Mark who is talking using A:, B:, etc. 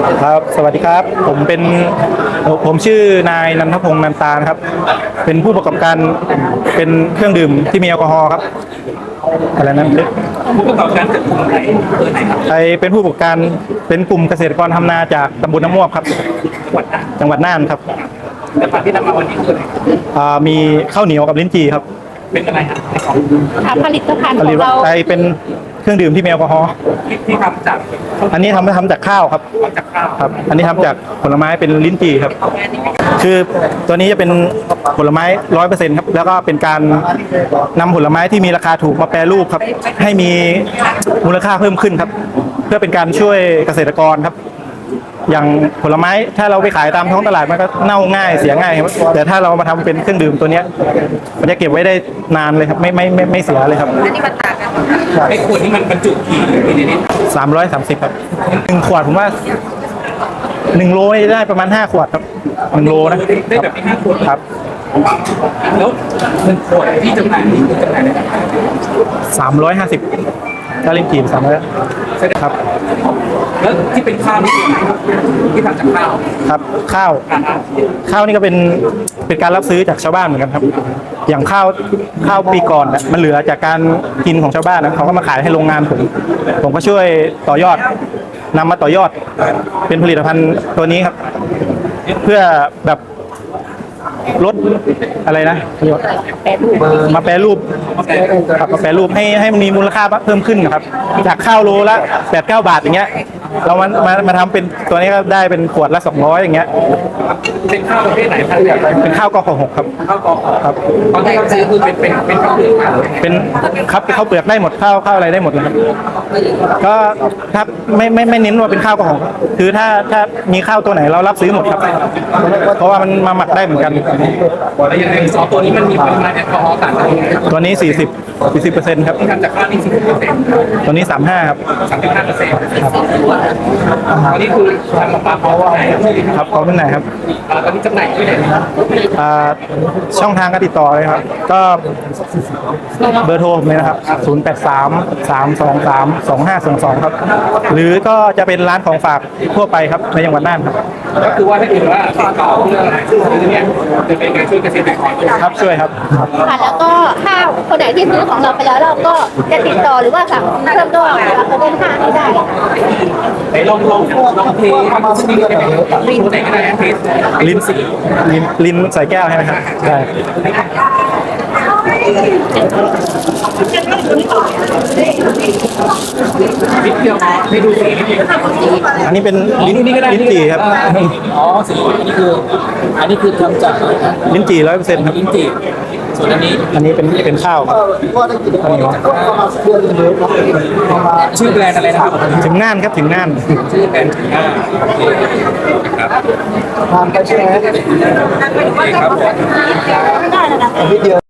A: ครับสวัสดีครับผมชื่อนายนันทพงษ์นันตานะครับเป็นผู้ประกอบการเป็นเครื่องดื่มที่มีแอลกอฮอล์ครับอะไรนั้น
B: ผู้ประกอบการจากกลุ่มไหนไหนครับ
A: ไอเป็นผู้ประกอบการเป็นกลุ่มเกษตรกรทำนาจากตำบลน้ำม่วงครับจังหวัดน่านครับ
B: แต่ผักที่นำมาวันนี้คืออะไร
A: มีข้าวเหนียวกับลิ้นจี่ครับ
B: เป็นอะไรครับ
C: ผลิตภัณฑ์ของเรา
A: เป็นเครื่องดื่มที่มีแอลกอฮอล์
B: ที่ทำจาก
A: อันนี้ทำจากข้าวครับ
B: จากข้าว
A: ครับอันนี้ทำจากผลไม้เป็นลิ้นจี่ครับคือตัวนี้จะเป็นผลไม้ 100% ครับแล้วก็เป็นการนำผลไม้ที่มีราคาถูกมาแปรรูปครับให้มีมูลค่าเพิ่มขึ้นครับเพื่อเป็นการช่วยเกษตรกรครับอย่างผลไม้ถ้าเราไปขายตามท้องตลาดมันก็เน่าง่ายเสียง่ายครับแต่ถ้าเรามาทำเป็นเครื่องดื่มตัวนี้มันจะเก็บไว้ได้นานเลยครับไม่เสียเลยครับ
C: อันนี้มันต่างกัน
B: ไอ้ขวดนี้มันบรรจุกี่ลิตร
A: 330ครับ1 ขวดผมว่า1 โลได้ประมาณ5 ขวดครับ1 โลนะ
B: ได้แบบนี้5 ขวด
A: ครับ
B: แล้ว1 ขวดที่จำหน่ายนี่จำหน่ายได้
A: 350ถ้าเล่นกีบ300ครับ
B: แล้วที่เป็นข้าวนี่ที่ทำจากข้าว
A: ครับข้าวนี่ก็เป็นการรับซื้อจากชาวบ้านเหมือนกันครับอย่างข้าวปีก่อนมันเหลือจากการกินของชาวบ้านนะเขาก็มาขายให้โรงงานผมก็ช่วยต่อยอดนำมาต่อยอดเป็นผลิตภัณฑ์ตัวนี้ครับเพื่อแบบลดอะไรนะมาแปรรูปครับมาแปรรูปให้มันมีมูลค่าเพิ่มขึ้นนะครับจากข้าวโลละ8-9 บาทอย่างเงี้ยเรามาทำเป็นตัวนี้ก็ได้เป็นขวดละ200อย่างเงี้ย
B: เป็นข้าวประเภทไหนครับ
A: เป็นข้าวกข6ครับ
B: ข้าวกครับตอนที่เราซื้อคือเป็นข้าวเปลือก
A: เป็นครับข้าวเปลือกได้หมดข้าวอะไรได้หมดเลยครับก็ครับไม่เน้นว่าเป็นข้าวกขคือถ้ามีข้าวตัวไหนเรารับซื้อหมดครับเพราะว่ามันมาหมักได้เหมือนกัน
B: แล้วอย่างในซอสตัวนี้มันมีปริมาณแอลกอฮอล์ต่างกัน
A: ตัวนี้40%ครับ
B: ที่ทำจากข้าวนี่40%
A: ตัวนี้35ครับ
B: 35%ครับอันนี้คือทำมาปลาเขาไหน
A: ครับเขาเป็นไหนครับ
B: ตอนนี้จำหน่ายที่ไหน
A: ช่องทางการติดต่อเลยครับก็เบอร์โทรผมเลยนะครับ0833232522ครับหรือก็จะเป็นร้านของฝากทั่วไปครับในจังหวัดน่านครับ
B: ก็คือว่าถ้าเกิดว่าต่อเรื่องอะไรคือเนี่ยจะเป็นการช่วยเกษตรกร
A: ครับช่วยครับ
C: ค่ะแล้วก็ข้าวคนไหนที่ซื้อของเราไปแล้วเราก็จะติดต่อหรือว่าสั่งเพิ่มด้วยเราก็เป็น5นี้ได้
B: ไหนลองเทสติ๊กได้ไหมลิ้นไหนก็ได้เทส
A: ลิ้นใส่แก้วใช่ไหมครับใช่
B: นิดเดียวให้ดูสีนิดเดียว
A: อันนี้เป็นลิ้นจี่ครับ
B: อ๋อสีอันนี้คือทำจาก
A: ลิ้นจี่100%ครับ
B: ลิ้นจี่ส่วนอัน
A: นี้เป็นข้าวครับอันนี้วะ
B: ชื่อแบรนด์อะไรนะครับ
A: ถึงน่านครับถึงน่าน
B: ชื่อแบรนด์ถึงน่านครับ
A: ทานกันใช่ไหม
B: ครับ